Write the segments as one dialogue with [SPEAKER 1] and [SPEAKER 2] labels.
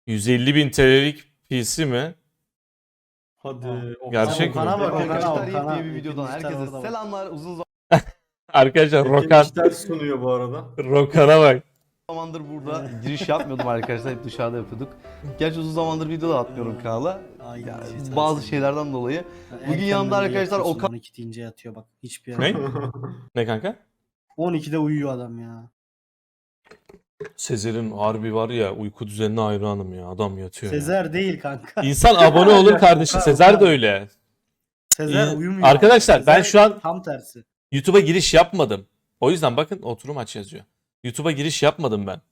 [SPEAKER 1] 150.000 TL'lik PC mi?
[SPEAKER 2] Hadi.
[SPEAKER 1] Gerçek mi?
[SPEAKER 3] Okan'a bak,
[SPEAKER 4] Arkadaşlar
[SPEAKER 3] Okan'a.
[SPEAKER 4] yeni bir videodan
[SPEAKER 3] İkinci
[SPEAKER 4] herkese
[SPEAKER 3] orada bak.
[SPEAKER 4] selamlar. Uzun
[SPEAKER 1] Arkadaşlar Rokan.
[SPEAKER 2] işler sunuyor bu arada.
[SPEAKER 1] Rokan'a bak.
[SPEAKER 4] zamandır burada giriş yapmıyordum arkadaşlar. Hep dışarıda yapıyorduk. Gerçi uzun zamandır video da atmıyorum kanala.
[SPEAKER 3] Aynen.
[SPEAKER 4] Ya,
[SPEAKER 3] Yeter
[SPEAKER 4] bazı
[SPEAKER 3] sen.
[SPEAKER 4] şeylerden dolayı.
[SPEAKER 3] Erkenden
[SPEAKER 4] Bugün yanımda
[SPEAKER 3] de
[SPEAKER 4] arkadaşlar
[SPEAKER 3] yatıyorsun,
[SPEAKER 4] Okan.
[SPEAKER 3] 12 deyince yatıyor bak. Hiçbir
[SPEAKER 1] Ne?
[SPEAKER 3] yere.
[SPEAKER 1] Ne kanka?
[SPEAKER 3] 12'de uyuyor adam ya.
[SPEAKER 1] Sezer'in harbi var ya, uyku düzenine hayranım ya. Adam yatıyor ya.
[SPEAKER 3] Sezer değil kanka.
[SPEAKER 1] İnsan abone olur kardeşim.
[SPEAKER 3] Okan,
[SPEAKER 1] Sezer de
[SPEAKER 3] Okan.
[SPEAKER 1] öyle.
[SPEAKER 3] Sezer uyumuyor.
[SPEAKER 1] Arkadaşlar, ben
[SPEAKER 3] Sezer
[SPEAKER 1] şu an-
[SPEAKER 3] tam tersi.
[SPEAKER 1] YouTube'a giriş yapmadım. O yüzden bakın, oturum aç yazıyor. YouTube'a giriş yapmadım ben.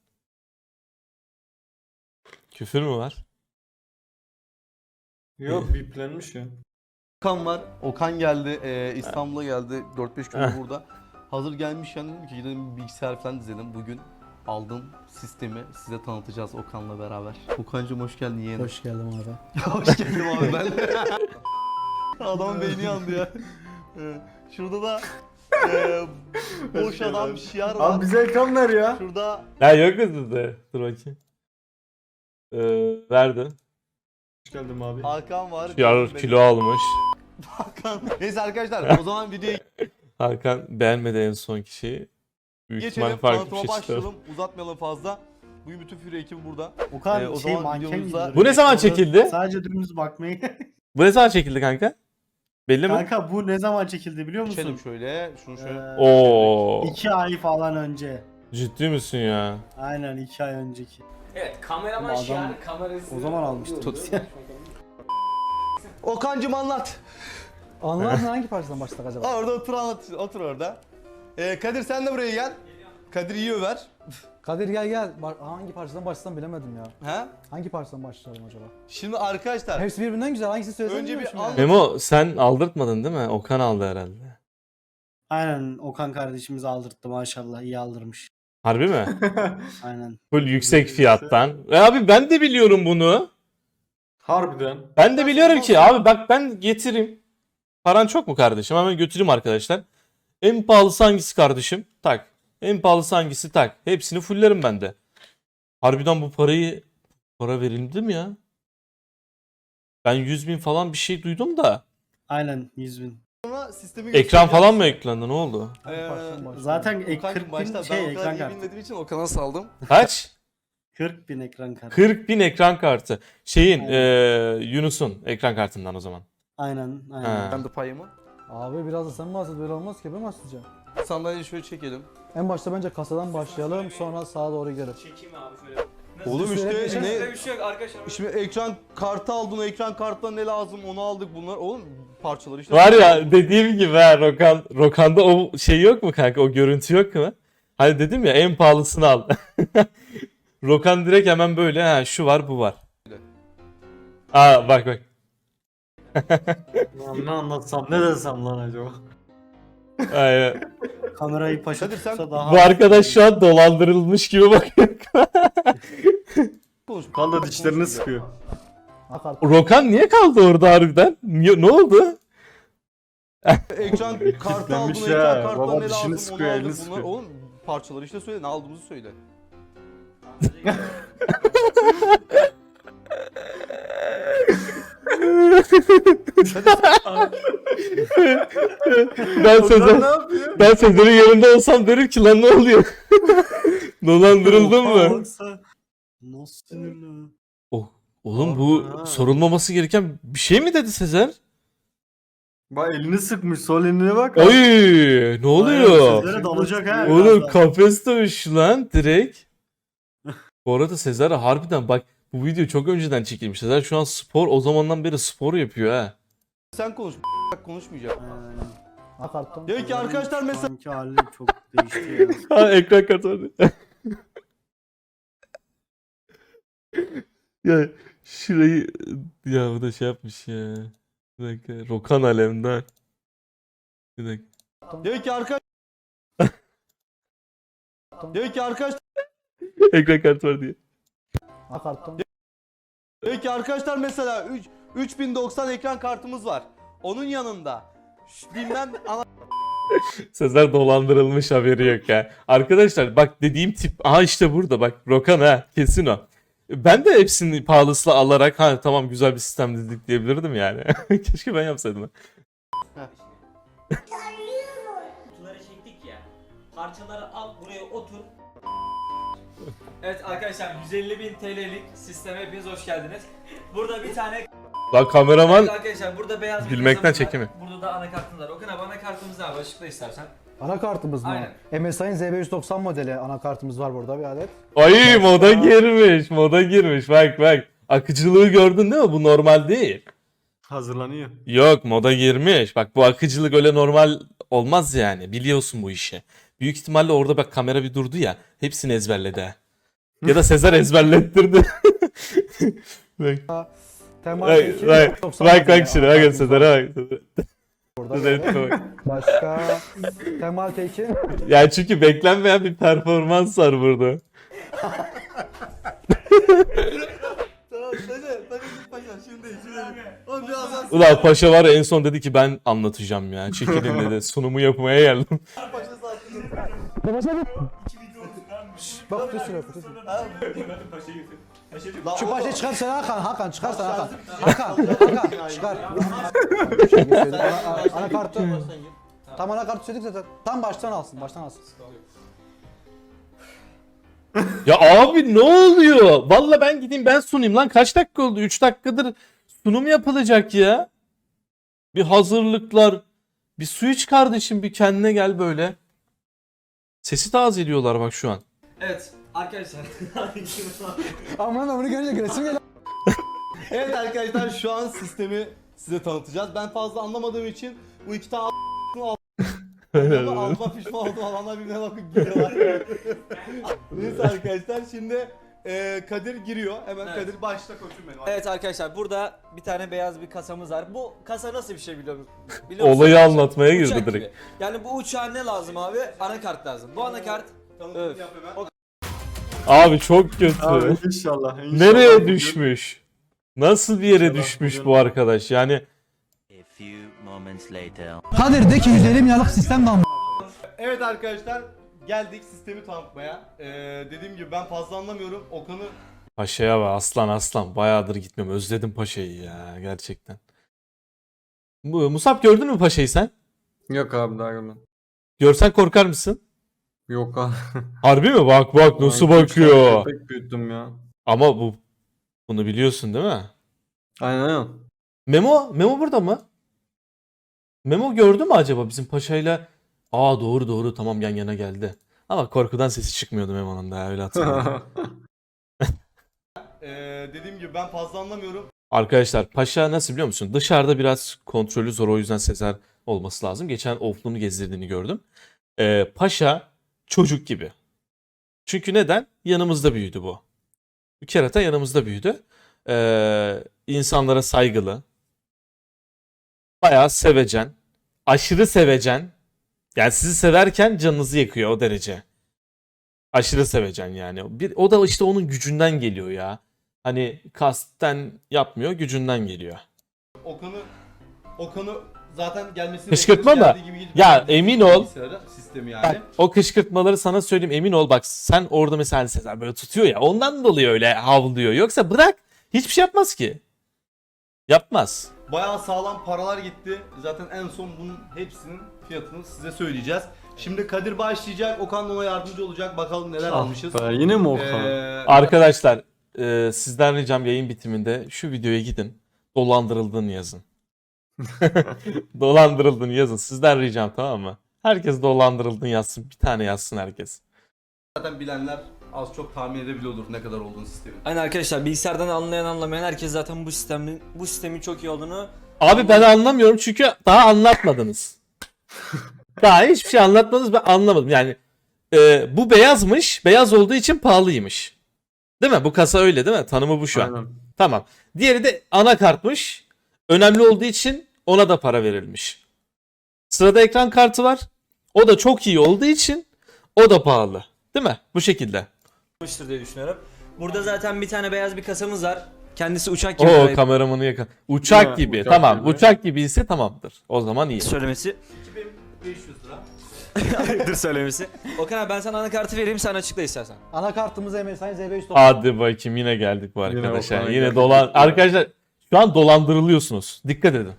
[SPEAKER 1] Küfür mü var?
[SPEAKER 2] Yok biplenmiş ya.
[SPEAKER 4] Okan var. Okan geldi. İstanbul'a geldi. 4-5 gündür burada. Hazır gelmişken dedim ki gidelim bir bilgisayar falan dizelim. Bugün aldığım sistemi size tanıtacağız Okan'la beraber. Okan'cığım hoş geldin yeğenim.
[SPEAKER 3] Hoş geldin abi.
[SPEAKER 4] Hoş geldin abi ben. Adamın beyni yandı ya. Şurada da boş adam şiar var.
[SPEAKER 2] Abi bize ekran ver ya.
[SPEAKER 4] Şurada
[SPEAKER 1] Ya yok mu sizde? Dur bakayım. Verdi.
[SPEAKER 2] Hoş geldin abi.
[SPEAKER 4] Hakan var.
[SPEAKER 1] Yar kilo almış.
[SPEAKER 4] Hakan. Neyse arkadaşlar o zaman videoya
[SPEAKER 1] Hakan beğenmedi en son kişiyi. Büyük ihtimal
[SPEAKER 4] geçelim.
[SPEAKER 1] farklı bir
[SPEAKER 4] Tanıtıma
[SPEAKER 1] şey çıkar.
[SPEAKER 4] başlayalım. Uzatmayalım fazla. Bugün bütün Fury ekibi burada.
[SPEAKER 3] Okan
[SPEAKER 4] O
[SPEAKER 3] şey
[SPEAKER 4] zaman
[SPEAKER 3] manken
[SPEAKER 4] videomuzda-
[SPEAKER 3] gibi.
[SPEAKER 1] Bu ne zaman
[SPEAKER 3] Orada
[SPEAKER 1] çekildi?
[SPEAKER 3] Sadece dümdüz bakmayı.
[SPEAKER 1] Bu ne zaman çekildi kanka? Belli mi?
[SPEAKER 3] Kanka bu ne zaman çekildi biliyor musun?
[SPEAKER 4] Geçelim şöyle. Şunu şöyle.
[SPEAKER 1] Oo.
[SPEAKER 3] 2 ay falan önce.
[SPEAKER 1] Ciddi misin ya?
[SPEAKER 3] Aynen 2 ay önceki.
[SPEAKER 5] Evet, kameraman
[SPEAKER 3] Adam
[SPEAKER 5] şiarı kamerası.
[SPEAKER 3] o zaman almıştı.
[SPEAKER 4] Okan'cım anlat.
[SPEAKER 6] Anlar hangi parçadan başladık acaba?
[SPEAKER 4] Orada otur anlat. Otur orada. Kadir sen de buraya gel. Kadir iyi över.
[SPEAKER 6] Kadir gel. Hangi parçadan başlasam bilemedim ya.
[SPEAKER 4] He?
[SPEAKER 6] Hangi parçadan başlayalım acaba?
[SPEAKER 4] Şimdi arkadaşlar
[SPEAKER 6] Hepsi birbirinden güzel. Hangisini söylesem
[SPEAKER 4] Önce bir
[SPEAKER 6] bilmiyorum
[SPEAKER 4] al-
[SPEAKER 6] şimdi.
[SPEAKER 1] Memo, sen aldırtmadın değil mi? Okan aldı herhalde.
[SPEAKER 3] Aynen Okan kardeşimiz aldırttı maşallah. İyi aldırmış.
[SPEAKER 1] Harbi mi?
[SPEAKER 3] Aynen.
[SPEAKER 1] Full yüksek fiyattan. Abi ben de biliyorum bunu.
[SPEAKER 2] Harbiden.
[SPEAKER 1] Ben de biliyorum ki abi, bak ben getireyim. Paran çok mu kardeşim? Hemen götüreyim arkadaşlar. En pahalısı hangisi kardeşim? Tak. En pahalısı hangisi? Tak. Hepsini fullerim ben de. Harbiden bu para verildi mi ya? Ben 100.000 falan bir şey duydum da.
[SPEAKER 3] Aynen 100.000.
[SPEAKER 4] sonra sistemi
[SPEAKER 1] Ekran
[SPEAKER 4] göstereceğiz.
[SPEAKER 1] falan mı eklendi? Ne oldu?
[SPEAKER 6] Hangi parçadan başlayalım?
[SPEAKER 3] Zaten
[SPEAKER 4] Okan'cım
[SPEAKER 3] 40 bin
[SPEAKER 4] başta
[SPEAKER 3] şey
[SPEAKER 4] ben o kadar
[SPEAKER 3] ekran
[SPEAKER 4] iyi
[SPEAKER 3] kartı.
[SPEAKER 4] bilmediğim için Okan'a saldım.
[SPEAKER 1] Kaç?
[SPEAKER 3] 40 bin ekran kartı.
[SPEAKER 1] 40.000 ekran kartı. Şeyin
[SPEAKER 3] Aynen.
[SPEAKER 1] Yunus'un ekran kartından o zaman.
[SPEAKER 3] Aynen.
[SPEAKER 1] Ha.
[SPEAKER 4] Ben de payımı.
[SPEAKER 6] Abi biraz da sen bahset, böyle olmaz ki ben bahsedeceğim.
[SPEAKER 4] Sandalyeyi şöyle çekelim.
[SPEAKER 6] En başta bence kasadan başlayalım, sonra sağa doğru gidelim.
[SPEAKER 5] Çekeyim abi şöyle.
[SPEAKER 4] Oğlum işte
[SPEAKER 5] Şöyle
[SPEAKER 4] ne?
[SPEAKER 5] bir şey yok arkadaşlar.
[SPEAKER 4] Şimdi ekran kartı aldın, o ekran kartına ne lazım onu aldık bunlar. Oğlum parçaları işte.
[SPEAKER 1] Var ya, dediğim gibi ha, Rokan'da o şey yok mu kanka? O görüntü yok mu? Hani dedim ya, en pahalısını al. Rokan direkt hemen böyle, ha şu var bu var. Aa bak.
[SPEAKER 2] Lan ne anlatsam ne desem lan acaba.
[SPEAKER 1] Aynen.
[SPEAKER 3] Kamerayı paşa
[SPEAKER 4] Kadir sen-
[SPEAKER 3] tutsa daha...
[SPEAKER 1] Bu arkadaş şu an dolandırılmış gibi bakıyor.
[SPEAKER 4] Konuş.
[SPEAKER 2] Kan da dişlerini sıkıyor.
[SPEAKER 6] Akart.
[SPEAKER 1] Rokan niye kaldı orada harbiden? Ne oldu?
[SPEAKER 4] Ekran kartı aldın,
[SPEAKER 2] Kitlenmiş
[SPEAKER 4] ekran
[SPEAKER 2] ya.
[SPEAKER 4] kartına
[SPEAKER 2] Baba
[SPEAKER 4] ne
[SPEAKER 2] dişini
[SPEAKER 4] lazım
[SPEAKER 2] sıkıyor,
[SPEAKER 4] onu
[SPEAKER 2] elini
[SPEAKER 4] aldık bunlar.
[SPEAKER 2] sıkıyor.
[SPEAKER 4] Oğlum parçaları işte söyle, ne aldığımızı söyle.
[SPEAKER 1] Ben
[SPEAKER 2] Okan
[SPEAKER 1] Sezer,
[SPEAKER 2] ne yapıyor?
[SPEAKER 1] ben Sezer'in yanında olsam derim ki lan ne oluyor? Dolandırıldın mı?
[SPEAKER 3] Yoksa nasıl sinirli?
[SPEAKER 1] Oh, oğlum bu
[SPEAKER 2] Ha.
[SPEAKER 1] sorulmaması gereken bir şey mi dedi Sezer?
[SPEAKER 2] Bak elini sıkmış, sol eline bak.
[SPEAKER 1] Oy, ne oluyor?
[SPEAKER 3] Sizlere dalacak ha.
[SPEAKER 1] Oğlum
[SPEAKER 3] birazdan.
[SPEAKER 1] kafes dövüşü lan direkt. Bu arada Sezer harbiden bak, bu video çok önceden çekilmiş. Sezer şu an o zamandan beri spor yapıyor ha.
[SPEAKER 4] Sen konuş, konuşmayacak.
[SPEAKER 3] Aynen.
[SPEAKER 6] Akarttan.
[SPEAKER 4] Diyor ki arkadaşlar
[SPEAKER 3] Şu
[SPEAKER 4] mesela
[SPEAKER 3] anki hali çok değişti ya.
[SPEAKER 1] Ha, ekran kartı var. Ya şurayı, ya bu da şey yapmış ya. Bir dakika, Rokan Alemdar. Bir dakika.
[SPEAKER 4] diyor ki arkadaşlar
[SPEAKER 1] Ekran kartı var diye.
[SPEAKER 6] Akarttan.
[SPEAKER 4] diyor ki arkadaşlar mesela 3090 ekran kartımız var. Onun yanında bilmem
[SPEAKER 1] Sezer dolandırılmış, haberi yok ya. Arkadaşlar bak, dediğim tip, aha işte burada bak, Rokan ha, kesin o. Ben de hepsini pahalısıyla alarak ha tamam güzel bir sistem dedik diyebilirdim yani. Keşke ben yapsaydım.
[SPEAKER 5] Kutuları çektik ya. Parçaları al buraya otur. Evet arkadaşlar 150.000 TL'lik sisteme hepiniz hoş geldiniz. Burada bir tane
[SPEAKER 1] Lan kameraman
[SPEAKER 5] Evet arkadaşlar burada beyaz bir
[SPEAKER 1] Gülmekten
[SPEAKER 5] kasamız var.
[SPEAKER 1] çekimi.
[SPEAKER 5] Burada da anakartımız var. Okan abi anakartımız var. Açıkla istersen.
[SPEAKER 6] Anakartımız mı?
[SPEAKER 5] Aynen.
[SPEAKER 6] MSI'nin Z590 modeli anakartımız var burada bir adet.
[SPEAKER 1] ay moda girmiş moda girmiş bak. Akıcılığı gördün değil mi? Bu normal değil.
[SPEAKER 2] Hazırlanıyor.
[SPEAKER 1] Yok moda girmiş. Bak bu akıcılık öyle normal olmaz yani. Biliyorsun bu işi. Büyük ihtimalle orada bak kamera bir durdu ya. Hepsini ezberledi ha. Ya da Sezer ezberlettirdi. Bak.
[SPEAKER 6] Temel
[SPEAKER 1] Bak,
[SPEAKER 6] T2
[SPEAKER 1] bak,
[SPEAKER 6] 90
[SPEAKER 1] bak,
[SPEAKER 6] modeli
[SPEAKER 1] bak şimdi bak
[SPEAKER 6] anakartımız
[SPEAKER 1] Sezer'e
[SPEAKER 6] var
[SPEAKER 1] bak.
[SPEAKER 6] burada.
[SPEAKER 1] Sezer'e bak.
[SPEAKER 6] Başka Temel T2
[SPEAKER 1] Yani çünkü beklenmeyen bir performans var burada.
[SPEAKER 4] Tamam hadi git paşa şimdi. Oğlum biraz daha
[SPEAKER 1] Ulan paşa var ya en son dedi ki ben anlatacağım ya. Çekilin dedi. Sunumu yapmaya geldim.
[SPEAKER 4] paşa sattın.
[SPEAKER 6] bak düşürüyor.
[SPEAKER 4] Lan
[SPEAKER 6] Şu
[SPEAKER 4] oğlum,
[SPEAKER 6] paşayı çıkar sen Hakan çıkar sen Hakan. Çıkar. Anakartı. Tam anakartı söyledik zaten. Tam baştan alsın.
[SPEAKER 1] Ya abi ne oluyor? Valla ben gideyim ben sunayım lan. Kaç dakika oldu? 3 dakikadır sunum yapılacak ya. Bir hazırlıklar. Bir su iç kardeşim bir kendine gel böyle. Sesi tazeliyorlar bak şu an.
[SPEAKER 5] Evet arkadaşlar.
[SPEAKER 6] Aman bunu görünce gülesim geliyor.
[SPEAKER 4] Evet arkadaşlar şu an sistemi size tanıtacağız. Ben fazla anlamadığım için bu iki tane alma pişman oldum alanlar birbirine bakıp gülüyorlar. Neyse arkadaşlar şimdi Kadir giriyor. Hemen
[SPEAKER 5] Evet.
[SPEAKER 4] Kadir başla koçum benim.
[SPEAKER 5] Evet arkadaşlar burada bir tane beyaz bir kasamız var. Bu kasa nasıl bir şey biliyor musun?
[SPEAKER 1] Olayı anlatmaya girdi
[SPEAKER 5] Uçak
[SPEAKER 1] direkt.
[SPEAKER 5] gibi. Yani bu uçağa ne lazım abi? Anakart lazım. Bu anakart
[SPEAKER 4] Tanıtım
[SPEAKER 5] Evet.
[SPEAKER 4] yap hemen.
[SPEAKER 1] Abi çok kötü.
[SPEAKER 2] Abi inşallah.
[SPEAKER 1] Nereye düşmüş? Nasıl bir yere
[SPEAKER 2] İnşallah
[SPEAKER 1] düşmüş
[SPEAKER 2] bugün-
[SPEAKER 1] bu arkadaş? Yani
[SPEAKER 7] A few moments later.
[SPEAKER 6] Kadir de ki 150 milyarlık sistem kalmış.
[SPEAKER 4] Evet arkadaşlar geldik sistemi tanıtmaya. Dediğim gibi ben fazla anlamıyorum. Okan'ı
[SPEAKER 1] Paşa'ya bak aslan. Bayağıdır gitmiyorum. Özledim Paşa'yı ya gerçekten. Musab gördün mü Paşa'yı sen?
[SPEAKER 2] Yok abi daha görmedim.
[SPEAKER 1] Görsen korkar mısın?
[SPEAKER 2] Yok abi.
[SPEAKER 1] Harbi mi? Bak nasıl
[SPEAKER 2] Ben üç tane
[SPEAKER 1] bakıyor.
[SPEAKER 2] Köpek büyüttüm ya.
[SPEAKER 1] Ama bunu biliyorsun değil mi?
[SPEAKER 2] Aynen.
[SPEAKER 1] Memo burada mı? Memo gördü mü acaba bizim Paşa'yla? Aa doğru tamam yan yana geldi. Ama korkudan sesi çıkmıyordu Memo'nun da öyle hatırlıyorum.
[SPEAKER 4] dediğim gibi ben fazla anlamıyorum.
[SPEAKER 1] Arkadaşlar Paşa nasıl biliyor musun? Dışarıda biraz kontrolü zor o yüzden Sezer olması lazım. Geçen Oflu'nu gezdirdiğini gördüm. Paşa çocuk gibi. Çünkü neden? Yanımızda büyüdü bu. Bu kerata yanımızda büyüdü. İnsanlara saygılı. Bayağı sevecen. Aşırı sevecen. Yani sizi severken canınızı yakıyor o derece. Aşırı sevecen yani. O da işte onun gücünden geliyor ya. Hani kasten yapmıyor, gücünden geliyor.
[SPEAKER 4] Okan'ı zaten gelmesini
[SPEAKER 1] Kışkırtma
[SPEAKER 4] bekliyoruz.
[SPEAKER 1] mı?
[SPEAKER 4] Geldiği gibi gidip
[SPEAKER 1] Ya
[SPEAKER 4] geldi.
[SPEAKER 1] emin ol.
[SPEAKER 4] Bilgisayara, sistemi yani.
[SPEAKER 1] Bak, o kışkırtmaları sana söyleyeyim emin ol bak sen orada mesela hani Sezer böyle tutuyor ya ondan dolayı öyle havlıyor. Yoksa bırak hiçbir şey yapmaz ki. Yapmaz.
[SPEAKER 4] Bayağı sağlam paralar gitti. Zaten en son bunun hepsinin fiyatını size söyleyeceğiz. Şimdi Kadir başlayacak. Okan da ona yardımcı olacak. Bakalım neler almışız.
[SPEAKER 2] Yine mi Okan?
[SPEAKER 1] Arkadaşlar sizden ricam yayın bitiminde şu videoya gidin. Dolandırıldığını yazın. Dolandırıldığını yazın. Sizden ricam tamam mı? Herkes dolandırıldığını yazsın. Bir tane yazsın herkes.
[SPEAKER 4] Zaten bilenler az çok tahmin edebiliyordur ne kadar olduğunu sistemin.
[SPEAKER 5] Aynen arkadaşlar bilgisayardan anlayan anlamayan herkes zaten bu sistemin çok iyi olduğunu
[SPEAKER 1] Abi ben anlamıyorum çünkü daha anlatmadınız. Daha hiçbir şey anlatmadınız ben anlamadım. Yani bu beyazmış. Beyaz olduğu için pahalıymış. Değil mi? Bu kasa öyle değil mi? Tanımı bu şu an.
[SPEAKER 2] Aynen.
[SPEAKER 1] Tamam. Diğeri de anakartmış. Önemli olduğu için ona da para verilmiş. Sırada ekran kartı var. O da çok iyi olduğu için o da pahalı. Değil mi? Bu şekilde.
[SPEAKER 5] yapmıştır diye düşünüyorum. Burada zaten bir tane beyaz bir kasamız var. Kendisi uçak gibi
[SPEAKER 1] Oo kameramanı yakın. Uçak
[SPEAKER 2] Ha,
[SPEAKER 1] gibi.
[SPEAKER 2] uçak
[SPEAKER 1] tamam.
[SPEAKER 2] gibi.
[SPEAKER 1] Uçak gibi ise tamamdır. O zaman iyi.
[SPEAKER 5] söylemesi.
[SPEAKER 4] 2500 lira.
[SPEAKER 5] Ayıptır söylemesi. Okan abi ben sana anakartı vereyim sen açıkla istersen.
[SPEAKER 6] Anakartımız MSI ZB100
[SPEAKER 1] Hadi bakayım yine geldik bu arkadaşlar.
[SPEAKER 2] Okan'a
[SPEAKER 1] Yine
[SPEAKER 2] geldik.
[SPEAKER 1] dolan arkadaşlar şu an dolandırılıyorsunuz. Dikkat edin.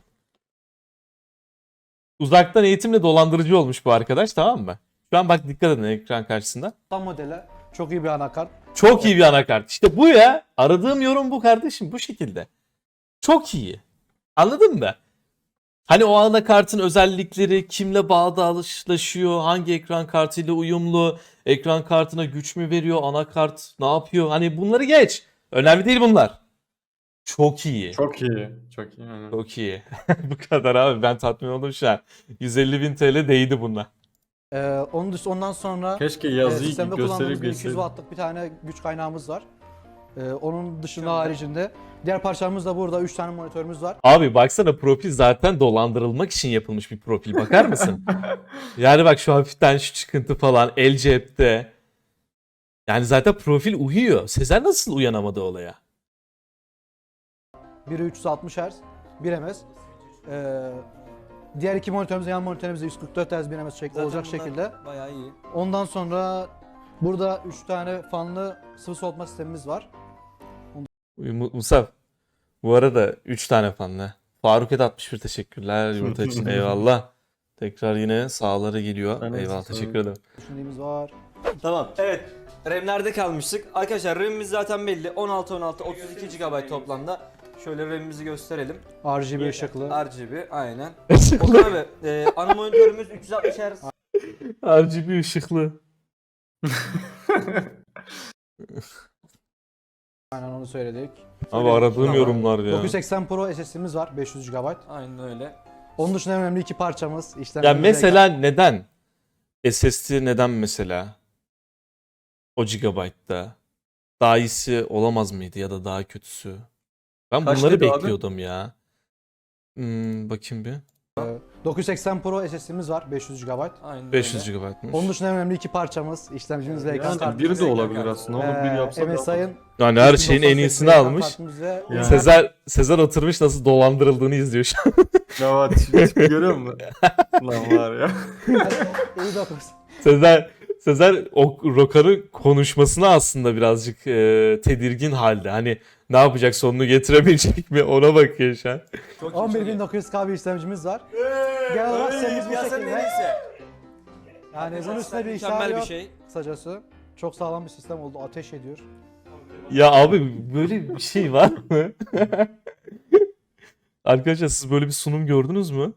[SPEAKER 1] Uzaktan eğitimle dolandırıcı olmuş bu arkadaş, tamam mı? Şu an bak dikkat edin ekran karşısında.
[SPEAKER 6] modeli. Çok iyi bir anakart.
[SPEAKER 1] Çok iyi bir anakart. İşte bu ya. Aradığım yorum bu kardeşim. Bu şekilde. Çok iyi. Anladın mı? Hani o anakartın özellikleri kimle bağdaşlaşıyor, hangi ekran kartıyla uyumlu, ekran kartına güç mü veriyor, anakart ne yapıyor? Hani bunları geç. Önemli değil bunlar. Çok iyi.
[SPEAKER 2] Çok iyi. Çok iyi. Aynen.
[SPEAKER 1] Çok iyi. Bu kadar abi. Ben tatmin oldum şu an. 150.000 TL değdi bununla.
[SPEAKER 6] Ondan sonra
[SPEAKER 2] Keşke yazıyı
[SPEAKER 6] sistemde kullandığımız
[SPEAKER 2] gösterip
[SPEAKER 6] bir 200
[SPEAKER 2] geçseydim.
[SPEAKER 6] wattlık bir tane güç kaynağımız var. Onun dışında haricinde diğer parçalarımız da burada 3 tane monitörümüz var.
[SPEAKER 1] Abi baksana, profil zaten dolandırılmak için yapılmış bir profil. Bakar mısın? Yani bak şu hafiften şu çıkıntı falan el cepte. Yani zaten profil uyuyor. Sezer nasıl uyanamadı olaya?
[SPEAKER 6] Biri 360 Hz, 1 ms. Diğer iki monitörümüz, yan monitörümüzde 144 Hz 1 ms
[SPEAKER 5] Zaten
[SPEAKER 6] olacak
[SPEAKER 5] bunlar
[SPEAKER 6] şekilde.
[SPEAKER 5] Bayağı iyi.
[SPEAKER 6] Ondan sonra burada 3 tane fanlı sıvı soğutma sistemimiz var.
[SPEAKER 1] Musab. Bu arada 3 tane fanlı. Faruk Ed 61 teşekkürler yumurta için, eyvallah. Tekrar yine sağları geliyor.
[SPEAKER 2] Ben de
[SPEAKER 1] Eyvallah,
[SPEAKER 2] sağ
[SPEAKER 1] teşekkür ederim.
[SPEAKER 6] Düşündüğümüz var.
[SPEAKER 5] Tamam. Evet. RAM'lerde kalmıştık. Arkadaşlar RAM'imiz zaten belli. 16 32 GB toplamda. Şöyle RAM'imizi gösterelim.
[SPEAKER 6] RGB ışıklı.
[SPEAKER 5] RGB aynen. Okan abi ana monitörümüz 360 Hz.
[SPEAKER 1] RGB ışıklı.
[SPEAKER 6] Aynen onu söyledik.
[SPEAKER 1] Abi aradığım
[SPEAKER 5] Tamam.
[SPEAKER 1] yorumlar ya.
[SPEAKER 6] 980 Pro SSD'miz var 500 GB.
[SPEAKER 5] Aynen öyle.
[SPEAKER 6] Onun dışında en önemli iki parçamız.
[SPEAKER 1] Ya
[SPEAKER 6] işlemcimiz
[SPEAKER 1] mesela neden? SSD neden mesela? O gigabaytta. Daha iyisi olamaz mıydı ya da daha kötüsü? Ben
[SPEAKER 2] Kaç
[SPEAKER 1] bunları
[SPEAKER 2] dedi abi?
[SPEAKER 1] bekliyordum ya. Bakayım bir.
[SPEAKER 6] 980 Pro SSD'miz var 500 GB.
[SPEAKER 5] Aynen
[SPEAKER 1] 500
[SPEAKER 5] öyle.
[SPEAKER 1] GB'mış.
[SPEAKER 6] Onun dışında en önemli iki parçamız. İşlemcimiz ve ekran
[SPEAKER 2] Yani
[SPEAKER 6] kartımız.
[SPEAKER 2] biri de olabilir aslında. Onu bir yapsa da.
[SPEAKER 6] MSI'ın
[SPEAKER 1] Yani her şeyin en iyisini almış.
[SPEAKER 2] Yani.
[SPEAKER 1] Sezer oturmuş nasıl dolandırıldığını izliyor şu an.
[SPEAKER 2] Ya tipi görüyor musun? Lan var ya.
[SPEAKER 6] İyi dokuz.
[SPEAKER 1] Sezer o Rokar'ın konuşmasına aslında birazcık tedirgin halde. Hani ne yapacak, sonunu getirebilecek mi, ona bakıyor şu an.
[SPEAKER 5] Çok iyi, çok iyi.
[SPEAKER 6] 11900K bir işlemcimiz var. Genel olarak sistemimiz bu
[SPEAKER 5] Piyasanın en
[SPEAKER 6] şekilde.
[SPEAKER 5] iyisi.
[SPEAKER 6] Yani bunun üstüne bir işler
[SPEAKER 5] Mükemmel bir
[SPEAKER 6] yok.
[SPEAKER 5] şey.
[SPEAKER 6] Kısacası. Çok sağlam bir sistem oldu. Ateş ediyor.
[SPEAKER 1] Ya abi böyle bir şey var mı? Arkadaşlar siz böyle bir sunum gördünüz mü?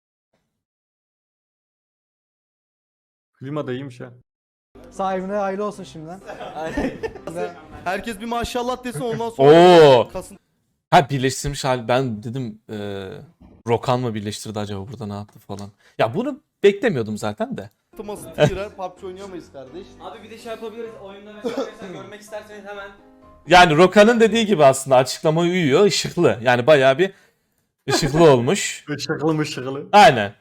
[SPEAKER 2] Klima da iyiymiş ha.
[SPEAKER 6] Sahibine hayırlı olsun şimdiden.
[SPEAKER 5] Aynen.
[SPEAKER 4] Herkes bir maşallah desin ondan sonra
[SPEAKER 1] Oo.
[SPEAKER 4] kasın
[SPEAKER 1] Ha, birleştirmiş hal. Ben dedim Rokan mı birleştirdi acaba, burada ne yaptı falan. Ya bunu beklemiyordum zaten de.
[SPEAKER 4] tıması girer. PUBG oynayamayız kardeş.
[SPEAKER 5] Abi bir de şey yapabiliriz. Oyunda mesela görmek isterseniz hemen.
[SPEAKER 1] Yani Rokan'ın dediği gibi aslında açıklama uyuyor. Işıklı. Yani bayağı bir ışıklı olmuş.
[SPEAKER 2] Işıklı mışıklı.
[SPEAKER 1] Aynen.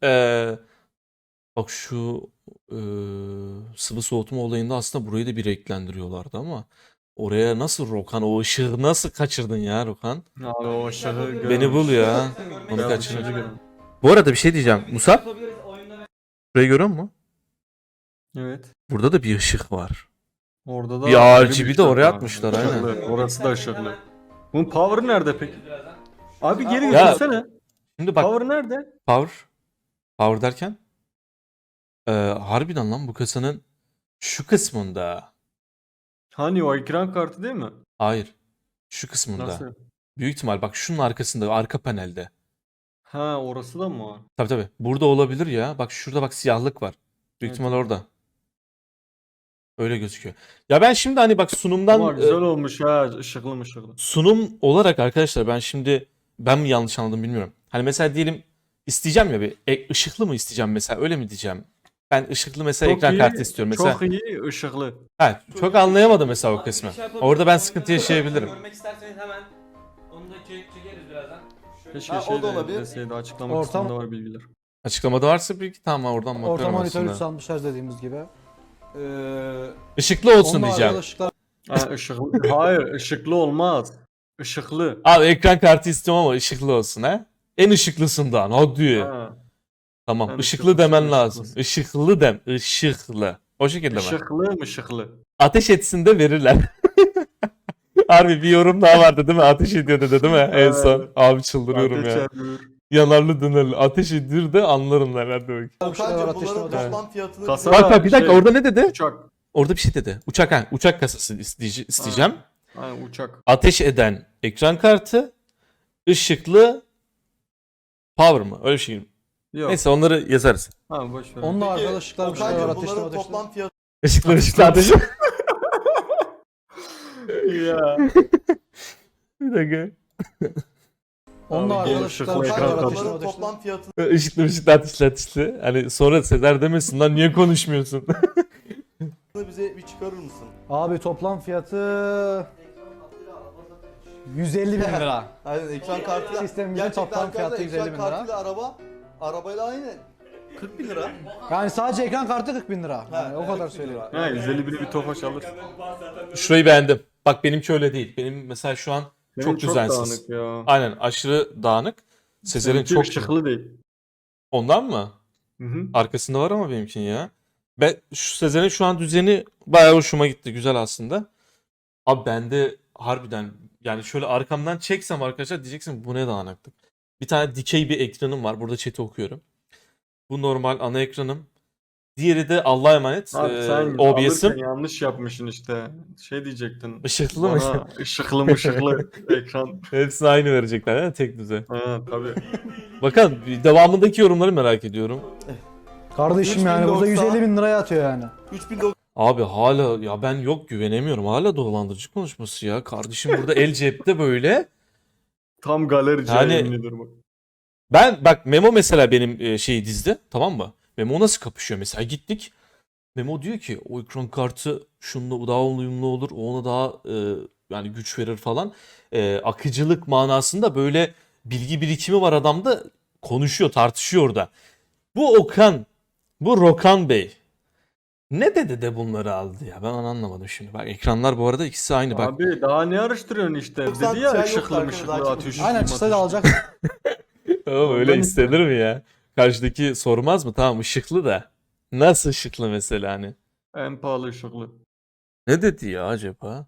[SPEAKER 1] Bak şu sıvı soğutma olayında aslında burayı da bir renklendiriyorlardı ama oraya nasıl Rokan, o ışığı nasıl kaçırdın ya Rokan?
[SPEAKER 2] Abi o ışığı
[SPEAKER 1] Beni bul ya. Onu
[SPEAKER 2] Beyaz
[SPEAKER 1] kaçırmış.
[SPEAKER 2] ışığı görüyorum.
[SPEAKER 1] Bu arada bir şey diyeceğim. Musab,
[SPEAKER 5] Yapabiliriz oyunda.
[SPEAKER 1] burayı görüyor musun?
[SPEAKER 2] Evet.
[SPEAKER 1] Burada da bir ışık var.
[SPEAKER 2] Orada da
[SPEAKER 1] Bir
[SPEAKER 2] ayrı
[SPEAKER 1] RGB de
[SPEAKER 2] ışık
[SPEAKER 1] oraya
[SPEAKER 2] var.
[SPEAKER 1] atmışlar,
[SPEAKER 2] Işıklı.
[SPEAKER 1] aynen.
[SPEAKER 2] Orası da ışıklı. Bunun power'ı nerede peki? Abi geri
[SPEAKER 1] Ya-
[SPEAKER 2] götürsene.
[SPEAKER 1] Şimdi bak,
[SPEAKER 2] Power nerede?
[SPEAKER 1] Power derken harbiden lan bu kasanın şu kısmında.
[SPEAKER 2] Hani o ekran kartı değil mi?
[SPEAKER 1] Hayır. Şu kısmında.
[SPEAKER 2] Nasıl?
[SPEAKER 1] Büyük ihtimal bak şunun arkasında, arka panelde.
[SPEAKER 2] Ha orası da mı var?
[SPEAKER 1] Tabii tabii. Burada olabilir ya. Bak şurada bak siyahlık var. Büyük
[SPEAKER 2] Evet,
[SPEAKER 1] ihtimal
[SPEAKER 2] evet.
[SPEAKER 1] orada. Öyle gözüküyor. Ya ben şimdi hani bak sunumdan
[SPEAKER 2] Ama güzel olmuş ha, ışıklı mışıklı.
[SPEAKER 1] sunum olarak arkadaşlar ben mi yanlış anladım bilmiyorum. Hani mesela diyelim isteyeceğim ya bir ışıklı mı isteyeceğim mesela, öyle mi diyeceğim? Ben ışıklı mesela ekran kartı istiyorum mesela.
[SPEAKER 2] Çok iyi ışıklı.
[SPEAKER 1] Ha, çok anlayamadım mesela o
[SPEAKER 5] Abi
[SPEAKER 1] kısmı.
[SPEAKER 5] bir şey yapabiliriz.
[SPEAKER 1] Orada ben sıkıntı
[SPEAKER 5] Oyunda
[SPEAKER 1] yaşayabilirim.
[SPEAKER 5] Görmek isterseniz hemen onu da çekeriz birazdan. Şöyle.
[SPEAKER 2] Keşke
[SPEAKER 4] Ha, o
[SPEAKER 2] şey
[SPEAKER 4] da
[SPEAKER 2] de
[SPEAKER 4] olabilir.
[SPEAKER 2] deseydi, açıklama
[SPEAKER 6] Ortam-
[SPEAKER 2] kısmında var bilgiler.
[SPEAKER 1] Açıklamada varsa bir tamam, oradan
[SPEAKER 6] Orta
[SPEAKER 1] bakarım
[SPEAKER 6] monitör
[SPEAKER 1] aslında.
[SPEAKER 6] 360 Hz dediğimiz gibi.
[SPEAKER 1] Işıklı olsun
[SPEAKER 6] Onun
[SPEAKER 1] diyeceğim.
[SPEAKER 6] haricinde ışıklar
[SPEAKER 2] Ha, ışıklı. Hayır ışıklı olmaz. Işıklı.
[SPEAKER 1] Abi ekran kartı istiyorum ama ışıklı olsun ha. En ışıklısından hadi.
[SPEAKER 2] Ha.
[SPEAKER 1] Tamam.
[SPEAKER 2] Yani
[SPEAKER 1] Işıklı
[SPEAKER 2] ışıklı,
[SPEAKER 1] demen lazım.
[SPEAKER 2] ışıklı.
[SPEAKER 1] Işıklı dem. Işıklı. O şekilde mi?
[SPEAKER 2] Işıklı mı ışıklı?
[SPEAKER 1] Ateş etsin de verirler. Harbi bir yorum daha vardı değil mi? Ateş ediyor dedi değil mi? En
[SPEAKER 2] Evet.
[SPEAKER 1] son. Abi çıldırıyorum
[SPEAKER 2] Ateş
[SPEAKER 1] ya.
[SPEAKER 2] ediyor.
[SPEAKER 1] Yanarlı dönerli. Ateş ediyor da anlarım neler demek.
[SPEAKER 4] Okan'cım
[SPEAKER 6] ateşli
[SPEAKER 4] bunların
[SPEAKER 6] ateşli.
[SPEAKER 4] toplam fiyatını
[SPEAKER 2] Kasa-
[SPEAKER 1] Bak bak bir dakika
[SPEAKER 2] Şey,
[SPEAKER 1] orada ne dedi?
[SPEAKER 2] Uçak.
[SPEAKER 1] Orada bir şey dedi. Uçak ha. Uçak kasası isteyeceğim.
[SPEAKER 2] Aynen uçak.
[SPEAKER 1] Ateş eden ekran kartı. Işıklı power mı? Öyle bir şey.
[SPEAKER 2] Yok.
[SPEAKER 1] Neyse onları yazarız.
[SPEAKER 2] Ha boş ver.
[SPEAKER 6] Onunla arkada ışıklar bir şeyler var.
[SPEAKER 4] Okan'cım
[SPEAKER 6] Ateşli
[SPEAKER 4] bunların
[SPEAKER 6] ateşli.
[SPEAKER 4] toplam fiyatını
[SPEAKER 1] Işıklı ateş.
[SPEAKER 2] ya.
[SPEAKER 1] Bir dakika.
[SPEAKER 6] Onunla
[SPEAKER 2] Abi,
[SPEAKER 6] arkada
[SPEAKER 2] ışıklı
[SPEAKER 6] ışıklar bir şeyler
[SPEAKER 2] ekran
[SPEAKER 6] var.
[SPEAKER 2] kartı.
[SPEAKER 6] Ateşli
[SPEAKER 4] bunların
[SPEAKER 6] ateşli.
[SPEAKER 4] toplam fiyatını
[SPEAKER 1] Işıklı ateşli. Hani sonra Sezer demesin lan niye konuşmuyorsun?
[SPEAKER 4] bize bir çıkarır mısın?
[SPEAKER 6] Abi toplam fiyatı 150 bin lira.
[SPEAKER 4] Aynen ekran kartıyla
[SPEAKER 6] Sistemimizin
[SPEAKER 4] gerçekten
[SPEAKER 6] toplam
[SPEAKER 4] arkadaşlar
[SPEAKER 6] fiyatı 150 bin
[SPEAKER 4] ekran
[SPEAKER 6] lira.
[SPEAKER 4] kartıyla arabayla aynı 40 bin lira.
[SPEAKER 6] Yani sadece ekran kartı 40 bin lira. Yani o kadar
[SPEAKER 4] 40 bin
[SPEAKER 6] söyleyeyim.
[SPEAKER 4] lira.
[SPEAKER 2] Ha 150 bini bir tofaş alır.
[SPEAKER 1] Şurayı beğendim. Bak benimki öyle değil. Benim mesela şu an
[SPEAKER 2] Benim
[SPEAKER 1] çok düzensiz.
[SPEAKER 2] dağınık ya.
[SPEAKER 1] Aynen aşırı dağınık. Sezer'in
[SPEAKER 2] Seninki
[SPEAKER 1] çok
[SPEAKER 2] ışıklı değil.
[SPEAKER 1] Ondan mı?
[SPEAKER 2] Hı hı.
[SPEAKER 1] Arkasında var ama benimkinin ya. Ben şu Sezer'in şu an düzeni bayağı hoşuma gitti. Güzel aslında. Abi bende harbiden yani şöyle arkamdan çeksem arkadaşlar diyeceksin bu ne dağınıklık. Bir tane dikey bir ekranım var. Burada chat'i okuyorum. Bu normal ana ekranım. Diğeri de Allah'a emanet.
[SPEAKER 2] Abi sen
[SPEAKER 1] OBS'im.
[SPEAKER 2] alırken yanlış yapmışsın işte. Şey diyecektin.
[SPEAKER 1] Işıklı mı?
[SPEAKER 2] Bana ışıklı mışıklı ekran.
[SPEAKER 1] Hepsini aynı verecekler değil mi? Tek düze.
[SPEAKER 2] Ha tabii.
[SPEAKER 1] Bakalım devamındaki yorumları merak ediyorum.
[SPEAKER 6] Kardeşim yani burada
[SPEAKER 4] 3090.
[SPEAKER 6] 150 bin liraya atıyor yani.
[SPEAKER 4] 3090
[SPEAKER 1] Abi hala ya ben yok güvenemiyorum. Hala dolandırıcı konuşması ya. Kardeşim burada el cepte böyle.
[SPEAKER 2] Tam galerici
[SPEAKER 1] Yani-
[SPEAKER 2] yemin ediyorum bak.
[SPEAKER 1] Ben bak Memo mesela benim şeyi dizdi, tamam mı? Memo nasıl kapışıyor mesela gittik. Memo diyor ki o ekran kartı şununla daha uyumlu olur. O ona daha yani güç verir falan. Akıcılık manasında böyle bilgi birikimi var adamda. Konuşuyor, tartışıyor orada. Bu Okan, bu Rokan Bey. Ne dedi de bunları aldı ya? Ben onu anlamadım şimdi. Bak ekranlar bu arada ikisi aynı bak.
[SPEAKER 2] Abi daha ne araştırıyorsun işte?
[SPEAKER 4] Yoksa
[SPEAKER 2] Dedi ya
[SPEAKER 4] çay yok
[SPEAKER 2] ışıklı
[SPEAKER 4] arkadaşlar,
[SPEAKER 2] mışıklı
[SPEAKER 4] daha
[SPEAKER 2] atıyor.
[SPEAKER 4] çok-
[SPEAKER 6] Aynen çıksaydı alacak.
[SPEAKER 1] Oğlum öyle
[SPEAKER 2] Ondan
[SPEAKER 1] istenir mi ya? Karşıdaki sormaz mı? Tamam ışıklı da. Nasıl ışıklı mesela hani?
[SPEAKER 2] En pahalı ışıklı.
[SPEAKER 1] Ne dedi ya acaba?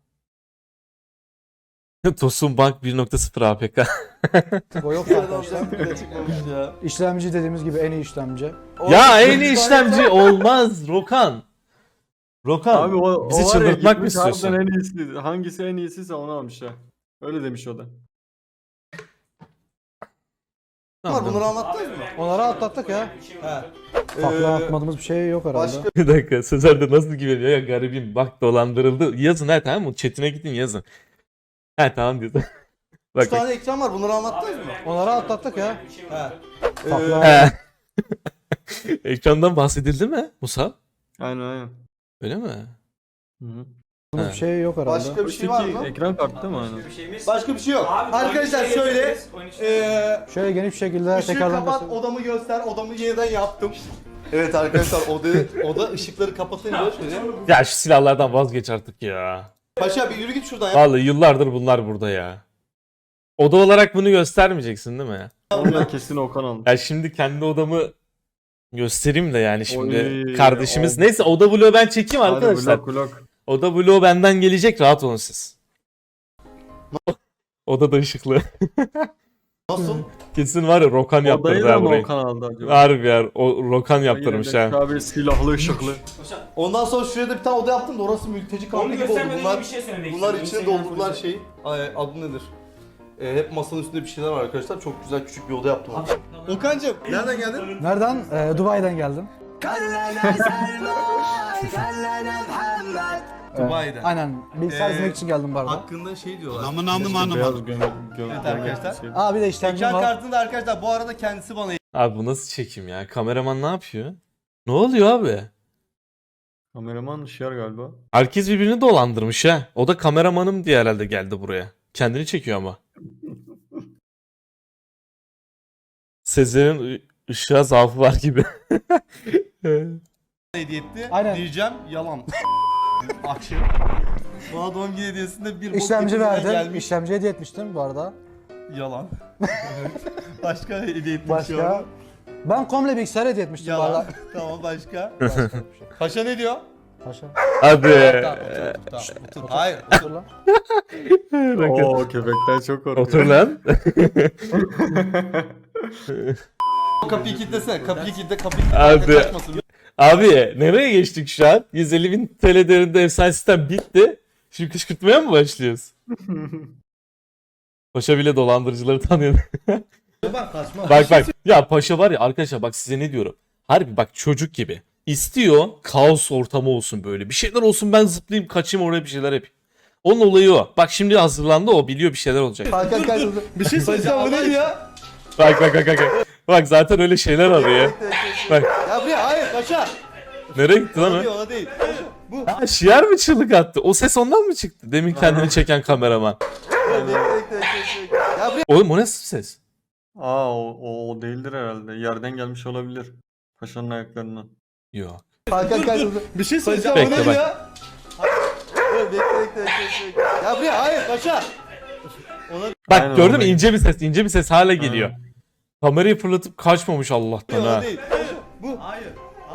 [SPEAKER 1] Tosun Bank 1.0 APK.
[SPEAKER 6] O yok
[SPEAKER 4] Adam
[SPEAKER 6] arkadaşlar.
[SPEAKER 4] bile çıkmamış ya.
[SPEAKER 6] İşlemci dediğimiz gibi en iyi işlemci.
[SPEAKER 1] Ya en iyi işlemci olmaz Rokan. Rokan
[SPEAKER 2] Abi o
[SPEAKER 1] bizi
[SPEAKER 2] var ya,
[SPEAKER 1] çıldırtmak mı
[SPEAKER 2] gitmiş harbiden
[SPEAKER 1] istiyorsun?
[SPEAKER 2] en iyisi. Hangisi en iyisiyse onu almış ya. Öyle demiş o da.
[SPEAKER 4] Var bunları anlattınız mı?
[SPEAKER 6] Onları atlattık ya.
[SPEAKER 4] He.
[SPEAKER 6] Farklı anlatmadığımız bir şey yok herhalde.
[SPEAKER 4] Başka
[SPEAKER 1] Bir dakika Sezer de nasıl güveniyor ya garibim bak dolandırıldı. Yazın ha tamam mı? Chatine gidin yazın. Ha tamam diyorsun.
[SPEAKER 4] 3
[SPEAKER 1] Bak bak.
[SPEAKER 4] tane ekran var bunları anlattınız mı?
[SPEAKER 6] Onları atlattık ya.
[SPEAKER 4] He.
[SPEAKER 6] Farklı
[SPEAKER 1] He. Ekrandan bahsedildi mi Musa?
[SPEAKER 2] Aynen.
[SPEAKER 1] Öyle mi?
[SPEAKER 2] Hı hı.
[SPEAKER 6] anlatmadığımız bir şey yok herhalde.
[SPEAKER 4] Başka bir şey var mı?
[SPEAKER 2] Ekran kartı değil mi aynen?
[SPEAKER 4] Başka bir şey yok. Arkadaşlar şöyle
[SPEAKER 6] Şöyle geniş bir şekilde
[SPEAKER 4] ışığı
[SPEAKER 6] tekrardan
[SPEAKER 4] kapat,
[SPEAKER 6] göstereyim.
[SPEAKER 4] odamı göster, odamı yeniden yaptım. Evet arkadaşlar oda ışıkları kapatınca şöyle.
[SPEAKER 1] Ya şu silahlardan vazgeç artık ya.
[SPEAKER 4] Paşa bir yürü git şuradan ya.
[SPEAKER 1] Vallahi yıllardır bunlar burada ya. Oda olarak bunu göstermeyeceksin değil mi?
[SPEAKER 2] Onu da kesin Okan aldı.
[SPEAKER 1] Ya şimdi kendi odamı göstereyim de yani şimdi
[SPEAKER 2] Oy,
[SPEAKER 1] kardeşimiz.
[SPEAKER 2] o-
[SPEAKER 1] Neyse oda vlogu ben çekeyim
[SPEAKER 2] Hadi
[SPEAKER 1] arkadaşlar.
[SPEAKER 2] vlog.
[SPEAKER 1] Oda vlogu benden gelecek rahat olun siz. Oda da ışıklı.
[SPEAKER 4] Nasıl?
[SPEAKER 1] Kesin var ya Rokan
[SPEAKER 2] Odayı
[SPEAKER 1] yaptırdı
[SPEAKER 2] da
[SPEAKER 1] ha
[SPEAKER 2] mı
[SPEAKER 1] burayı.
[SPEAKER 2] Okan aldı acaba?
[SPEAKER 1] Harbi ya o Rokan yaptırmış
[SPEAKER 2] Yine de
[SPEAKER 1] ha.
[SPEAKER 2] Abi silahlı ışıklı.
[SPEAKER 4] Ondan sonra şuraya da bir tane oda yaptım da orası mülteci kampı gibi oldu. Bunlar,
[SPEAKER 5] bir şey söylemek
[SPEAKER 4] bunlar
[SPEAKER 5] istiyorum.
[SPEAKER 4] içine
[SPEAKER 5] Instagram
[SPEAKER 4] doldurdular
[SPEAKER 5] polisi.
[SPEAKER 4] şeyi. Adı nedir? Hep masanın üstünde bir şeyler var arkadaşlar. Çok güzel küçük bir oda yaptım. Okan'cım nereden geldin?
[SPEAKER 6] Nereden? Dubai'den geldim.
[SPEAKER 4] Dubai'den.
[SPEAKER 6] Aynen. Bilgisayar
[SPEAKER 4] Ee,
[SPEAKER 6] izlemek için geldim bu arada.
[SPEAKER 4] Hakkında şey diyorlar.
[SPEAKER 2] Beyaz gömlek.
[SPEAKER 4] Evet arkadaşlar.
[SPEAKER 6] Aa bir de işlemcim
[SPEAKER 4] Ekran
[SPEAKER 6] var.
[SPEAKER 4] kartını da arkadaşlar bu arada kendisi bana
[SPEAKER 1] Abi bu nasıl çekim ya? Kameraman ne yapıyor? Ne oluyor abi?
[SPEAKER 2] Kameraman şiar galiba.
[SPEAKER 1] Herkes birbirini dolandırmış ha. O da kameramanım diye herhalde geldi buraya. Kendini çekiyor ama. Sezer'in ışığa zaafı var gibi.
[SPEAKER 4] hediye etti.
[SPEAKER 6] Aynen.
[SPEAKER 4] Diyeceğim yalan. Akşam. Bana doğum günü hediyesinde bir bok
[SPEAKER 6] İşlemci
[SPEAKER 4] getirmeden
[SPEAKER 6] verdim.
[SPEAKER 4] gelmiş.
[SPEAKER 6] İşlemci hediye etmiştim bu arada.
[SPEAKER 4] Yalan. Başka hediye etmiş
[SPEAKER 6] Başka? Ben komple bilgisayar hediye etmiştim
[SPEAKER 4] Yalan.
[SPEAKER 6] valla.
[SPEAKER 4] Tamam başka. Paşa ne diyor?
[SPEAKER 6] Paşa.
[SPEAKER 1] Hadi.
[SPEAKER 4] Tamam, otur. Hayır.
[SPEAKER 6] Dur lan.
[SPEAKER 2] Oo köpekten çok korkuyor.
[SPEAKER 1] Otur lan.
[SPEAKER 4] Kapıyı kilitlesene. Kapıyı kilitle. Kapıyı
[SPEAKER 1] Abi.
[SPEAKER 4] kaçmasın.
[SPEAKER 1] Abi nereye geçtik şu an? 150.000 TL değerinde efsane sistem bitti. Şimdi kışkırtmaya mı başlıyoruz? Paşa bile dolandırıcıları tanıyor. Bak. Ya Paşa var ya arkadaşlar, bak size ne diyorum. Harbi bak, çocuk gibi. İstiyor kaos ortamı olsun böyle. Bir şeyler olsun, ben zıplayayım kaçayım oraya, bir şeyler yapayım. Onun olayı o. Bak şimdi hazırlandı, o biliyor bir şeyler olacak.
[SPEAKER 4] Bir şey söyleyeceğim. Bu ne diyor?
[SPEAKER 1] Bak. Bak zaten öyle şeyler arıyor. Bak
[SPEAKER 4] Ya buraya hayır paşa.
[SPEAKER 1] nereye gitti lan o?
[SPEAKER 4] Ona değil. Bu.
[SPEAKER 1] Ha, şiar mı çığlık attı? O ses ondan mı çıktı? Demin kendini çeken kameraman.
[SPEAKER 4] Ya buraya.
[SPEAKER 1] Oğlum o ne ses?
[SPEAKER 2] Aa o değildir herhalde. Yerden gelmiş olabilir. Paşanın ayaklarından.
[SPEAKER 1] Yok.
[SPEAKER 4] Bir şey söyleyeceğim.
[SPEAKER 1] Bekle,
[SPEAKER 4] Bu ne
[SPEAKER 1] bak.
[SPEAKER 4] diyor? Bekle. Ya buraya hayır paşa.
[SPEAKER 1] Bak
[SPEAKER 2] Aynen,
[SPEAKER 1] gördün mü,
[SPEAKER 2] orada.
[SPEAKER 1] ince bir ses hala geliyor. Kamerayı fırlatıp kaçmamış Allah'tan
[SPEAKER 4] Ona
[SPEAKER 1] ha.
[SPEAKER 4] değil. Bu. Hayır.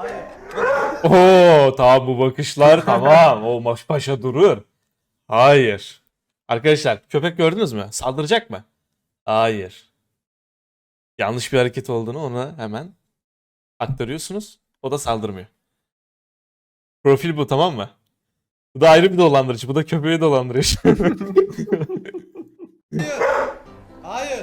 [SPEAKER 1] Oo tamam, bu bakışlar tamam. O paşa durur. Hayır. Arkadaşlar köpek gördünüz mü? Saldıracak mı? Hayır. Yanlış bir hareket olduğunu ona hemen aktarıyorsunuz. O da saldırmıyor. Profil bu, tamam mı? Bu da ayrı bir dolandırıcı. Bu da köpeği dolandırıyor.
[SPEAKER 4] Hayır.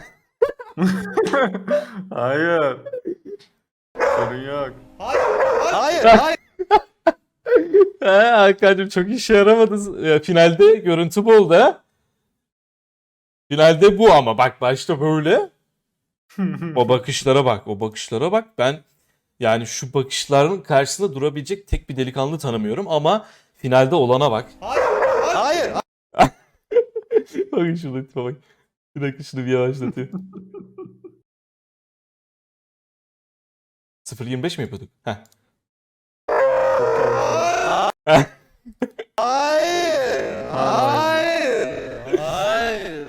[SPEAKER 2] Hayır. Sorun yok.
[SPEAKER 4] Hayır.
[SPEAKER 1] Hakan'cığım çok işe yaramadı. Finalde görüntü bu oldu ha. Finalde bu ama bak başta böyle. O bakışlara bak. Ben yani şu bakışların karşısında durabilecek tek bir delikanlı tanımıyorum ama finalde olana bak.
[SPEAKER 4] Hayır.
[SPEAKER 1] Bakın şurada tipe bak. Bir dakika şunu bir yavaşlatayım. 0.25 mi yapıyorduk? Heh.
[SPEAKER 4] Hayır.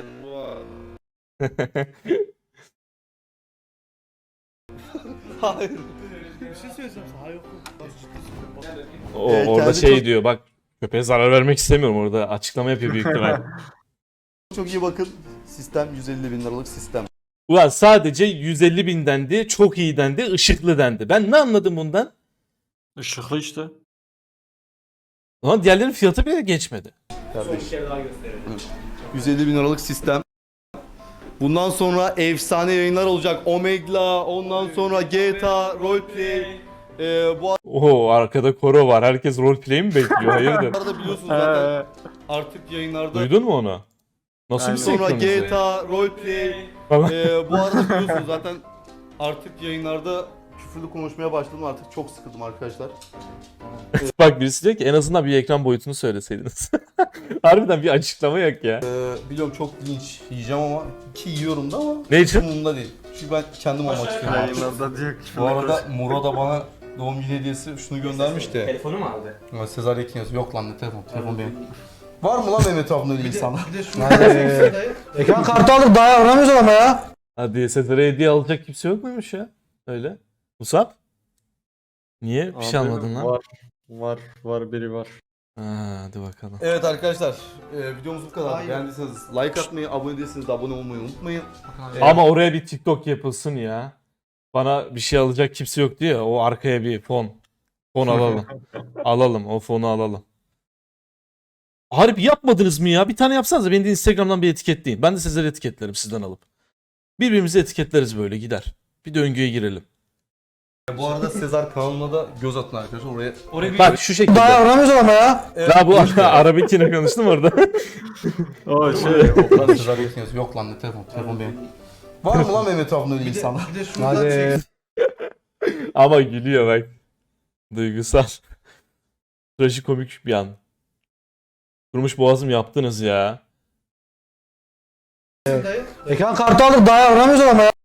[SPEAKER 4] Hayır.
[SPEAKER 1] Orada
[SPEAKER 4] kendi
[SPEAKER 1] şey
[SPEAKER 4] çok-
[SPEAKER 1] diyor bak, köpeğe zarar vermek istemiyorum, orada açıklama yapıyor büyük ihtimal.
[SPEAKER 4] Çok iyi bakın. Sistem 150 bin liralık sistem.
[SPEAKER 1] Ulan sadece 150.000 dendi, çok iyi dendi, ışıklı dendi. Ben ne anladım bundan?
[SPEAKER 2] Işıklı işte.
[SPEAKER 1] Ulan diğerlerinin fiyatı bile geçmedi.
[SPEAKER 4] Kardeş. 150 bin liralık sistem. Bundan sonra efsane yayınlar olacak. Omegle, ondan sonra GTA, Roleplay. Bu
[SPEAKER 1] Oo arkada koro var. Herkes roleplay mi bekliyor? Hayırdır?
[SPEAKER 4] arada biliyorsunuz zaten artık yayınlarda.
[SPEAKER 1] Duydun mu onu? Nasıl bir
[SPEAKER 2] Aynen.
[SPEAKER 4] Sonra
[SPEAKER 1] senkronize?
[SPEAKER 4] GTA, Roleplay.
[SPEAKER 1] Falan.
[SPEAKER 4] Bu arada biliyorsunuz zaten artık yayınlarda küfürlü konuşmaya başladım. Artık çok sıkıldım arkadaşlar.
[SPEAKER 1] Bak birisi diyor ki en azından bir ekran boyutunu söyleseydiniz. Harbiden bir açıklama yok ya.
[SPEAKER 4] Biliyorum çok linç yiyeceğim ama ki yiyorum da ama
[SPEAKER 1] Ne için?
[SPEAKER 4] umurumda değil. Çünkü ben kendim olmak istiyorum.
[SPEAKER 2] Yayınlarda diyor ki.
[SPEAKER 4] Bu arada Muro da bana doğum günü hediyesi şunu göndermiş de.
[SPEAKER 5] Telefonu mu aldı?
[SPEAKER 4] Ama Sezar Yekin yazıyor. Yok lan ne telefon? Telefon benim. Var mı lan benim etrafımda öyle insanlar?
[SPEAKER 6] Ekran kartı aldık daha yavramıyoruz ama ya.
[SPEAKER 1] Hadi Sezar'a hediye alacak kimse yok muymuş ya? Öyle. Musab? Niye? Bir şey
[SPEAKER 2] Abi,
[SPEAKER 1] almadın lan.
[SPEAKER 2] Var biri var.
[SPEAKER 1] Ha, hadi bakalım.
[SPEAKER 4] Evet arkadaşlar videomuz bu kadar. Beğendiyseniz like atmayı, abone değilseniz de abone olmayı unutmayın.
[SPEAKER 1] Ama oraya bir TikTok yapılsın ya. Bana bir şey alacak kimse yok diyor ya. O arkaya bir fon. Fon alalım. Alalım. O fonu alalım. Harbi yapmadınız mı ya? Bir tane yapsanız beni de Instagram'dan bir etiketleyin. Ben de sizleri etiketlerim sizden alıp. Birbirimizi etiketleriz böyle gider. Bir döngüye girelim.
[SPEAKER 4] Bu arada Sezar kanalına da göz atın arkadaşlar. Oraya bir
[SPEAKER 1] Bak şu şekilde.
[SPEAKER 6] Daha yavramıyoruz ama ya.
[SPEAKER 1] Ya bu Arabikine konuştum orada.
[SPEAKER 2] O şey.
[SPEAKER 4] Lan Sezar Yekin yazıyor. Yok lan ne telefon? Telefon benim. Var mı lan benim etrafımda öyle insanlar?
[SPEAKER 6] Hadi.
[SPEAKER 1] Ama gülüyor bak. Duygusal. Trajikomik bir an. Durmuş boğazım yaptınız ya.
[SPEAKER 6] Ekran kartı aldık daha yavramıyoruz ama ya.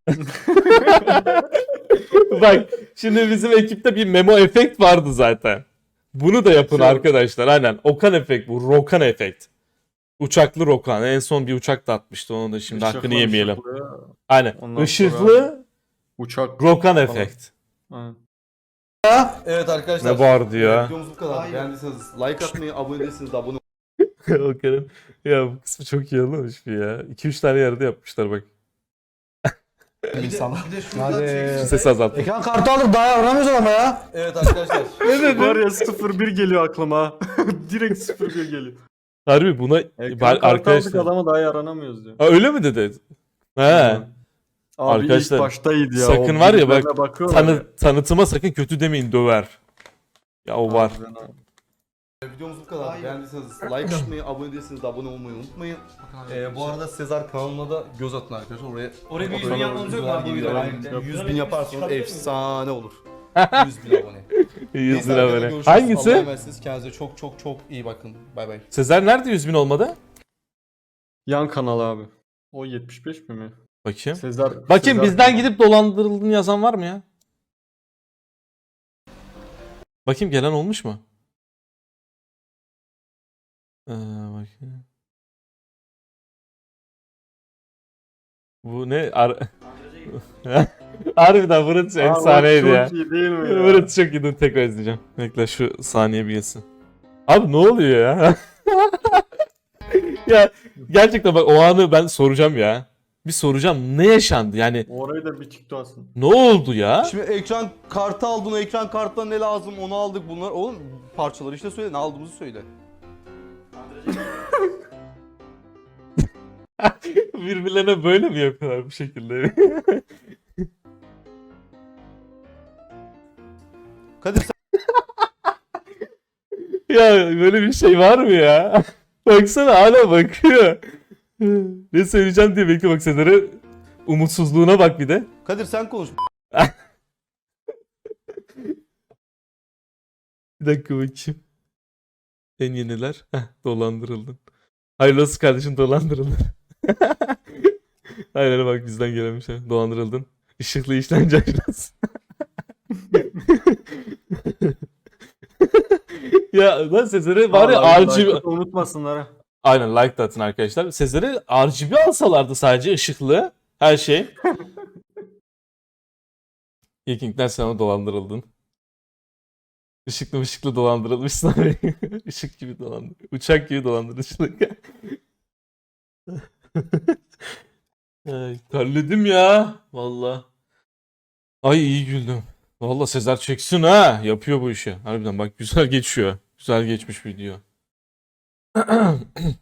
[SPEAKER 1] Bak şimdi bizim ekipte bir memo efekt vardı zaten. Bunu da yapın
[SPEAKER 2] Şey-
[SPEAKER 1] arkadaşlar. Aynen. Okan efekt bu. Rokan efekt. Uçaklı Rokan. En son bir uçak da atmıştı. Onu da şimdi hakkını
[SPEAKER 2] Işıklı,
[SPEAKER 1] yemeyelim.
[SPEAKER 2] ışıklı.
[SPEAKER 1] Aynen.
[SPEAKER 2] Ondan
[SPEAKER 1] Işıklı
[SPEAKER 2] Uçak.
[SPEAKER 1] Rokan efekt.
[SPEAKER 2] Aynen.
[SPEAKER 4] Evet arkadaşlar.
[SPEAKER 1] Ne vardı ya?
[SPEAKER 4] Videomuz bu kadar. Beğendiyseniz like atmayı, abone değilseniz de abone
[SPEAKER 1] O kadar. Ya bu kısmı çok iyi olmamış mı ya? 2-3 tane yerde yapmışlar bak.
[SPEAKER 4] olmayı insanlar.
[SPEAKER 6] Hadi.
[SPEAKER 1] Ses azalt.
[SPEAKER 6] Ekran kartı aldık daha aramıyoruz ama ya.
[SPEAKER 4] Evet arkadaşlar.
[SPEAKER 2] Var ya 01 geliyor aklıma. Direkt 01 geliyor.
[SPEAKER 1] Harbi buna
[SPEAKER 2] Ekran kartı aldık
[SPEAKER 1] arkadaşlar.
[SPEAKER 2] adama daha yaranamıyoruz diyor.
[SPEAKER 1] Ha, öyle mi dedi? He.
[SPEAKER 2] Abi
[SPEAKER 1] Arkadaşlar,
[SPEAKER 2] ilk baştaydı ya.
[SPEAKER 1] sakın
[SPEAKER 2] o
[SPEAKER 1] var ya bak,
[SPEAKER 2] bilgilerine bakıyorlar ya.
[SPEAKER 1] Tanıtıma sakın kötü demeyin, döver. Ya o var.
[SPEAKER 2] Harbiden abi.
[SPEAKER 4] Videomuz bu kadar. Beğendiyseniz like atmayı, abone değilseniz de abone olmayı unutmayın. Bu arada Sezar kanalına da göz atın arkadaşlar.
[SPEAKER 5] Oraya bir
[SPEAKER 2] yüz bin
[SPEAKER 5] yapmamız yok mu abi bu
[SPEAKER 4] videolar
[SPEAKER 5] videoda?
[SPEAKER 4] geliyor. 100 bin yaparsanız efsane olur. 100 bin abone.
[SPEAKER 1] 100
[SPEAKER 4] Neyse,
[SPEAKER 1] lira
[SPEAKER 4] arkadaşlar,
[SPEAKER 1] böyle.
[SPEAKER 4] görüşürüz. Allah'a
[SPEAKER 1] Hangisi?
[SPEAKER 4] emanetsiniz. Kendinize çok çok çok iyi bakın. Bay bay.
[SPEAKER 1] Sezer nerede 100.000 olmadı?
[SPEAKER 2] Yan kanal abi. O 75 mi?
[SPEAKER 1] Bakayım.
[SPEAKER 2] Sezar.
[SPEAKER 1] Bakayım
[SPEAKER 2] Sezar
[SPEAKER 1] bizden
[SPEAKER 2] kanal.
[SPEAKER 1] gidip dolandırıldığını yazan var mı ya? Bakayım gelen olmuş mu? Bakayım. Bu ne? Harbiden Fırat
[SPEAKER 2] Abi,
[SPEAKER 1] efsaneydi ya.
[SPEAKER 2] Çok iyi değil mi ya?
[SPEAKER 1] Fırat çok iyi. Dur tekrar izleyeceğim. Bekle şu saniye bir geçsin. Abi ne oluyor ya? Ya gerçekten bak o anı ben soracağım ya. Bir soracağım. Ne yaşandı? Yani
[SPEAKER 2] Orayı da bir TikTok atsın.
[SPEAKER 1] ne oldu ya?
[SPEAKER 4] Şimdi ekran kartı aldın, o ekran karttan ne lazım onu aldık bunlar. Oğlum parçaları işte söyle, ne aldığımızı söyle.
[SPEAKER 1] Birbirlerine böyle mi yapıyorlar bu şekilde?
[SPEAKER 4] Kadir sen
[SPEAKER 1] Ya böyle bir şey var mı ya? Baksana hala bakıyor. Ne söyleyeceğim diye bekliyor bak Sezer'e. Umutsuzluğuna bak bir de.
[SPEAKER 4] Kadir sen konuş.
[SPEAKER 1] Bir dakika bakayım. En yeniler. Heh, dolandırıldın. Hayırlı olsun kardeşim, dolandırıldın. Aynen bak bizden gelemiş. Dolandırıldın. Işıklı işlence ajansı. Ya lan Sezer'e var ya
[SPEAKER 2] Vallahi
[SPEAKER 1] RGB...
[SPEAKER 2] like'ı unutmasınlar ha.
[SPEAKER 1] Aynen like da atın arkadaşlar. Sezer'e RGB alsalardı sadece ışıklı. Her şey. Viking'den sana dolandırıldın. Işıklı dolandırılmışsın abi. Işık gibi dolandır. Uçak gibi dolandırıcılık. Ay, terledim ya. Valla. Ay iyi güldüm. Valla Sezer çeksin ha. Yapıyor bu işi. Harbiden bak güzel geçiyor. Güzel geçmiş video.